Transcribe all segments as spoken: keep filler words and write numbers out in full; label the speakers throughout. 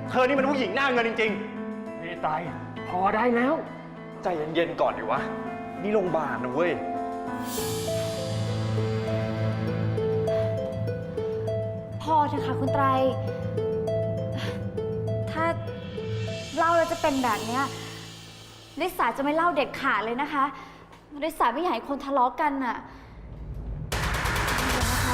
Speaker 1: เธอนี่มันผู้หญิงหน้าเงินจริงๆนี่ไตพอได้แล้วใจเย็นๆก่อนดิวะนี่โรงพยาบาลนะเว้ย
Speaker 2: พอเถอะค่ะคุณไตรถ้าเล่าแล้วจะเป็นแบบนี้ลิสาจะไม่เล่าเด็ดขาดเลยนะคะลิสาไม่อยากให้คนทะเลาะกันน่ะนะคะ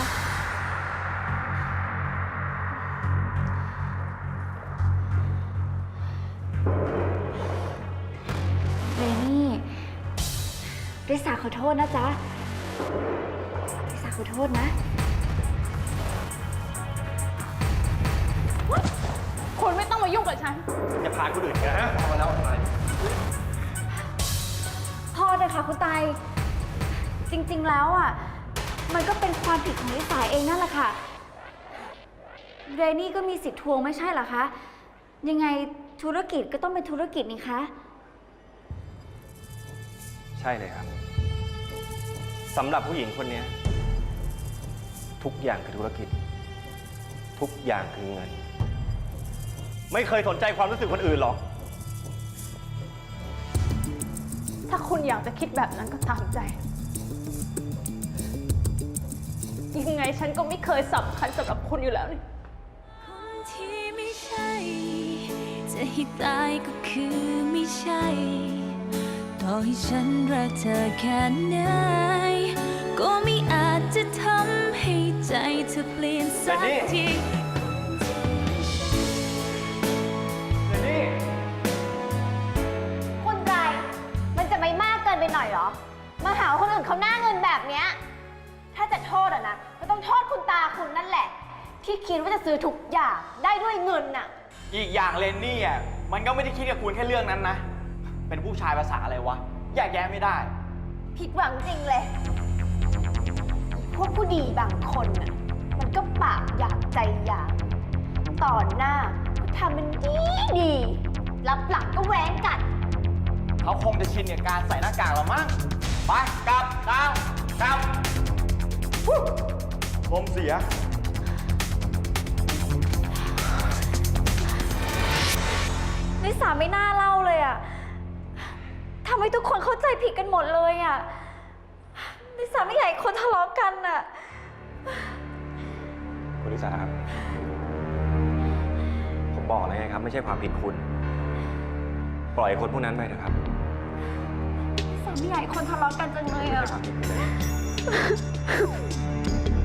Speaker 2: เรนี่ลิสาขอโทษนะจ๊ะลิสาขอโทษนะ
Speaker 3: คุณไม่ต้องมายุ่งกับฉัน
Speaker 1: อย่าพาคนอื่นนะพอมาแล้วอะไร
Speaker 2: พอเลยค่ะคุณไตจริงๆแล้วอ่ะมันก็เป็นความผิดของลิสาเองนั่นแหละค่ะเรนนี่ก็มีสิทธิ์ทวงไม่ใช่เหรอคะยังไงธุรกิจก็ต้องเป็นธุรกิจนี่คะ
Speaker 1: ใช่เลยครับสำหรับผู้หญิงคนนี้ทุกอย่างคือธุรกิจทุกอย่างคือเงินไม่เคยสนใจความรู้สึกคนอื่นหรอก
Speaker 3: ถ้าคุณอยากจะคิดแบบนั้นก็ตามใจยังไงฉันก็ไม่เคยสำคัญสำหรับคุณอยู่แล้วนี่
Speaker 4: คนที่ไม่ใช่จะให้ตายก็คือไม่ใช่ต่อให้ฉันรักเธอแค่ไหนก็ไม่อาจจะทำให้ใจเธอเปลี่ยนสักที
Speaker 2: คุณไตรมันจะไม่มากเกินไปหน่อยเหรอมาหาคนอื่นเขาหน้าเงินแบบเนี้ยถ้าจะโทษอะนะก็ต้องโทษคุณตาคุณนั่นแหละที่คิดว่าจะซื้อทุกอย่างได้ด้วยเงินน่ะ
Speaker 5: อีกอย่างเลนนี่อ่ะมันก็ไม่ได้คิดกับคุณแค่เรื่องนั้นนะเป็นผู้ชายภาษาอะไรวะแยกแยะไม่ได้
Speaker 2: ผิดหวังจริงเลยพวกผู้ดีบางคนน่ะมันก็ปากอยากใจอยากต่อหน้าก็ทำมันดีดีรับหลังก็แหวงกัด
Speaker 5: เขาคงจะชินกับการใส่หน้ากากแล้วมั้งไปกลับดาวกลับ
Speaker 1: ผมเสีย
Speaker 2: ลิสาไม่น่าเล่าเลยอะทำให้ทุกคนเข้าใจผิดกันหมดเลยอะลิสาไม่อยากให้คนทะเลาะกันอะ
Speaker 1: คุณลิสาครับผมบอกแล้วไงครับไม่ใช่ความผิดคุณปล่อยคนพวกนั้นไปเถอะครับ
Speaker 2: ลิสาไม่อยากให้คนทะเลาะกันจังเลยอะ
Speaker 1: ไม่ใช่ความผิดคุณเลย